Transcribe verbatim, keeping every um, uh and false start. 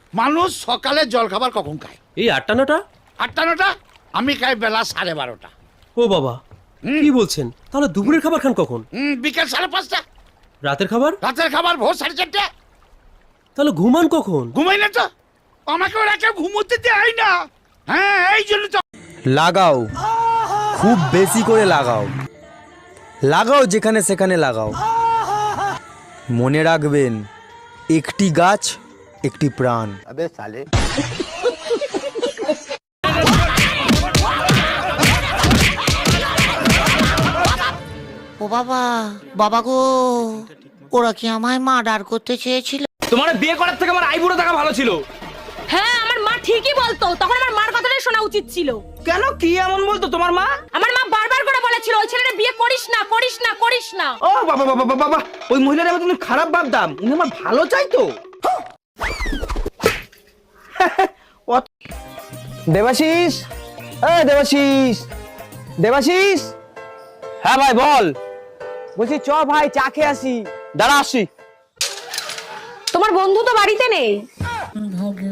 মানুষ সকালে জল খাবার কখন খায়? এই আটটা নটা। আটটা নটা? আমি খাই বেলা সাড়ে বারোটা। ও বাবা, কি বলছেন? তাহলে দুপুরের খাবার খান কখন? হুম, বিকেল সাড়ে পাঁচটা। রাতের খাবার? রাতের খাবার ভোর সাড়ে চারটে। তাহলে ঘুমান কখন? ঘুমাই না তো, আমাকে ওরা কেউ ঘুমোতে দেয় না। হ্যাঁ, এই জন্য তো। লাগাও, খুব বেশি করে লাগাও, লাগাও যেখানে সেখানে লাগাও। মনে রাখবেন, একটি গাছ একটি প্রাণ। আবে সালে। ও বাবা, বাবা গো, ওরা কি আমায় মার্ডার করতে চেয়েছিল? তোমার বিয়ে করার থেকে আমার আইবুড়ো থাকা ভালো ছিল। হ্যাঁ, আমার মা ঠিকই বলতো, তখন আমার মার কথাটাই শোনা উচিত ছিল। কেন, কি এমন বলতো তোমার মা? আমার মা বারবার করে বলেছিল ওই ছেলেটা বিয়ে করিস না, করিস না, করিস না। ও বাবা বাবা বাবা বাবা, ওই মহিলার আমি তুমি খারাপ ভাবতাম, উনি আমার ভালো চাইতো। দেবাশিস, এ দেবাশিস, দেবাশিস। হ্যাঁ ভাই বল। বলছি চ ভাই চা খেয়ে আসি। দাঁড়া আসি। তোমার বন্ধু তো বাড়িতে নেই।